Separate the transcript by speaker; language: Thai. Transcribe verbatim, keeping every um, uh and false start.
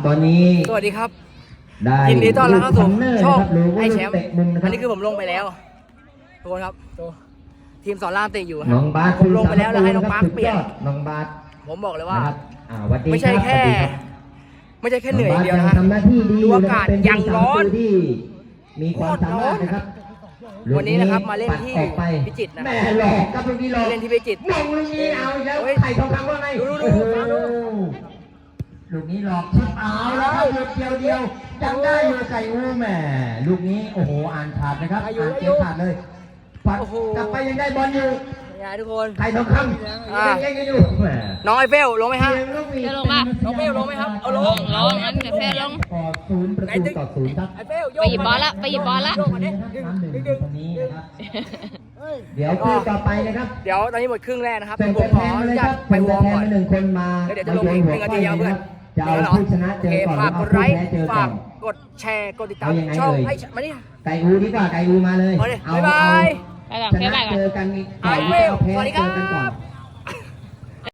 Speaker 1: ตอนนี้
Speaker 2: สวัสดีครับ
Speaker 1: ได้
Speaker 2: ยินดีต้อนรับเข้าสู่ช่อง
Speaker 1: ลูก
Speaker 2: ไอแชมป์
Speaker 1: เตะมุมนะค
Speaker 2: อั
Speaker 1: รั
Speaker 2: น
Speaker 1: บ
Speaker 2: นี้คือผมลงไปแล้วทุกคนครับทีมสอนรามเตะอยู่ค
Speaker 1: น้
Speaker 2: รั
Speaker 1: องบาส
Speaker 2: ผมลงไปแล้วแล้วให้น้องปาร์คเปลี่ยน
Speaker 1: สุดอดน้องบาส
Speaker 2: ผมบอกเลยว่า
Speaker 1: นะครับอ่าสวัสดี
Speaker 2: ไม่ใช่
Speaker 1: รับ
Speaker 2: แค่
Speaker 1: สวัสดีครับ
Speaker 2: ไม่ใช่แค่เหนื่อยอย่างเดียวนะ
Speaker 1: งบาสงทำหน้าที่ดี
Speaker 2: ดูอากาศ
Speaker 1: เป็น
Speaker 2: ยังร้อน
Speaker 1: ที่มีความสามารถนะครับ
Speaker 2: วันนี้นะครับมาเล่นที่
Speaker 1: ปัดออกไป
Speaker 2: พิจิตรนะ
Speaker 1: แม่หลอกครับลูกนี้หลอก
Speaker 2: เล่นที่พิจิตร
Speaker 1: มองลูกนี้เอาอีกแล้ว
Speaker 2: เฮ้ย
Speaker 1: ไข่ทองคำว่าไง
Speaker 2: ดูดู
Speaker 1: โอ้โห
Speaker 2: ดู
Speaker 1: ลูกนี้หลอกชิบเอาแล้วครับลูกเดียวเดียวยังได้อยู่ไก่อูแหม่ลูกนี้โอ้โหอ่านขาดนะครับ
Speaker 2: ได้อยู่
Speaker 1: อ่าน
Speaker 2: ได้
Speaker 1: เก
Speaker 2: อยู่
Speaker 1: มขาดเลยปัด
Speaker 2: โอ้โห
Speaker 1: กลับไปยังได้บอลอยู่
Speaker 2: ยังไงทุกคน
Speaker 1: ไข่ทองคำ
Speaker 2: อ่า
Speaker 1: ยังเก่งๆอยู่แหม
Speaker 2: น้องไอเฟลลงไหมฮะ
Speaker 3: จะลงป่ะ
Speaker 2: น้องเฟลลงไหมครับเอาลง
Speaker 3: ลงงั้นเดี๋ยวแฟนลง
Speaker 1: ก่อศูนย์ประตูต่อศูนย์ครับ
Speaker 2: ไอเฟลโย
Speaker 3: ไป
Speaker 2: ก
Speaker 3: หยิบบอลละไปหยิบบอลละ
Speaker 2: โยกมาดิดึง
Speaker 1: น้ำหนึ่ง
Speaker 2: ดึง
Speaker 1: ต
Speaker 2: ดึง
Speaker 1: รงนี้นะครับเดี๋ยวคู่ต่อไปนะครับ
Speaker 2: เดี๋ยวตอนนี้หมดครึ่งแรกนะครับ
Speaker 1: ส่ง
Speaker 2: ผ
Speaker 1: ตัว
Speaker 2: ม
Speaker 1: แท
Speaker 2: ขอน อ
Speaker 1: มา
Speaker 2: นุ
Speaker 1: เลย
Speaker 2: ญา
Speaker 1: ครั
Speaker 2: ต
Speaker 1: บ
Speaker 2: ไป
Speaker 1: ส่ง
Speaker 2: ว
Speaker 1: ตัว
Speaker 2: อร์ม
Speaker 1: แทน
Speaker 2: ก่อน
Speaker 1: มาหนึ่งคนมา
Speaker 2: แล้วเดี๋ยวจะลง
Speaker 1: มา
Speaker 2: อีก
Speaker 1: โย
Speaker 2: หนึ่งนาทีครับเพื่อน
Speaker 1: จะเอาผู้ชนะเจอก่อน
Speaker 2: ฝากกดไลค์
Speaker 1: เจอก่อ
Speaker 2: ฝาก
Speaker 1: น
Speaker 2: กดแชร์กดติดตาม
Speaker 1: เอายังไง
Speaker 2: ช่อง
Speaker 1: เอ่ย
Speaker 2: ไอ้มาดิ
Speaker 1: ไก่อูดีกว่าไก่อูมาเลย
Speaker 2: เอาดิ
Speaker 1: เอา
Speaker 2: บ๊ายบาย
Speaker 3: ไปก่อน
Speaker 1: ช
Speaker 3: แค่
Speaker 1: นะ
Speaker 3: ไปก่อน
Speaker 1: เจอกันอีก
Speaker 2: เอา
Speaker 1: ก่อน
Speaker 2: เว้ย
Speaker 1: เอาแพ้
Speaker 2: สวัสดี
Speaker 1: เจอกันก่อน
Speaker 2: ครับ